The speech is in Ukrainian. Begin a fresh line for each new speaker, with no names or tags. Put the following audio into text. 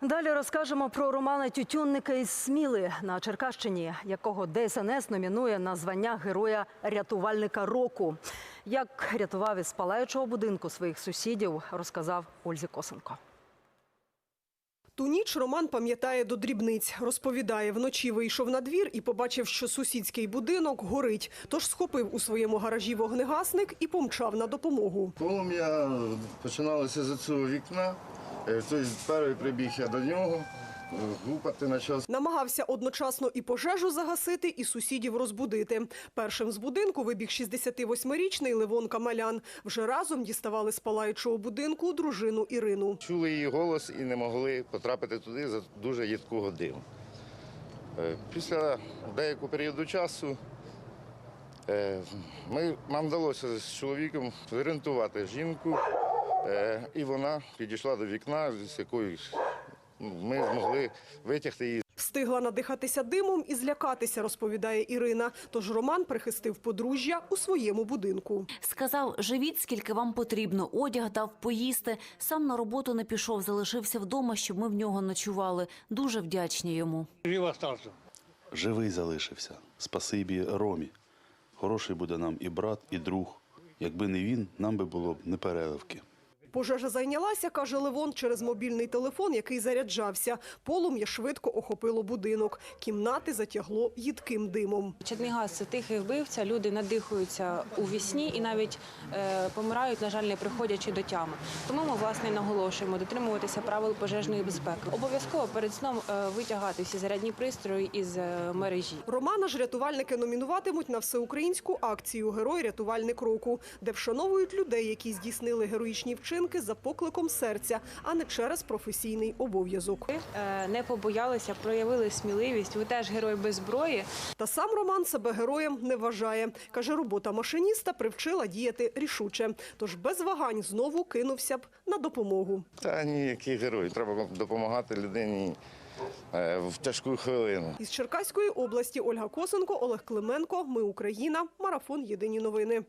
Далі розкажемо про Романа Тютюнника із Сміли на Черкащині, якого ДСНС номінує на звання Героя рятувальника року. Як рятував із палаючого будинку своїх сусідів, розказав Ользі Косенко.
Ту ніч Роман пам'ятає до дрібниць. Розповідає, вночі вийшов на двір і побачив, що сусідський будинок горить. Тож схопив у своєму гаражі вогнегасник і помчав на допомогу.
Полум'я починалося з цього вікна. Тобто перший прибіг я до нього, гупати почав.
Намагався одночасно і пожежу загасити, і сусідів розбудити. Першим з будинку вибіг 68-річний Левон Камалян. Вже разом діставали з палаючого будинку дружину Ірину.
Чули її голос і не могли потрапити туди за дуже їдкого диму. Після деякого періоду часу нам вдалося з чоловіком зорієнтувати жінку, і вона підійшла до вікна, з якою ми змогли витягти її.
Встигла надихатися димом і злякатися, розповідає Ірина. Тож Роман прихистив подружжя у своєму будинку.
Сказав, живіть, скільки вам потрібно, одяг дав поїсти. Сам на роботу не пішов, залишився вдома, щоб ми в нього ночували. Дуже вдячні йому.
Жив остався.
Живий залишився. Спасибі Ромі. Хороший буде нам і брат, і друг. Якби не він, нам би було б непереливки.
Пожежа зайнялася, каже Левон, через мобільний телефон, який заряджався. Полум'я швидко охопило будинок. Кімнати затягло їдким димом.
Чадний газ – це тихий вбивця, люди надихаються у вісні і навіть помирають, на жаль, не приходячи до тями. Тому ми, власне, наголошуємо дотримуватися правил пожежної безпеки. Обов'язково перед сном витягати всі зарядні пристрої із мережі.
Романа ж рятувальники номінуватимуть на всеукраїнську акцію «Герой-рятувальник року», де вшановують людей, які здійснили героїчні вчинки за покликом серця, а не через професійний обов'язок.
Ви не побоялися, проявили сміливість, ви теж герой без зброї.
Та сам Роман себе героєм не вважає. Каже, робота машиніста привчила діяти рішуче. Тож без вагань знову кинувся б на допомогу.
Та ніякий герой, треба допомагати людині в тяжку хвилину.
Із Черкаської області Ольга Косенко, Олег Клименко. Ми Україна. Марафон. Єдині новини.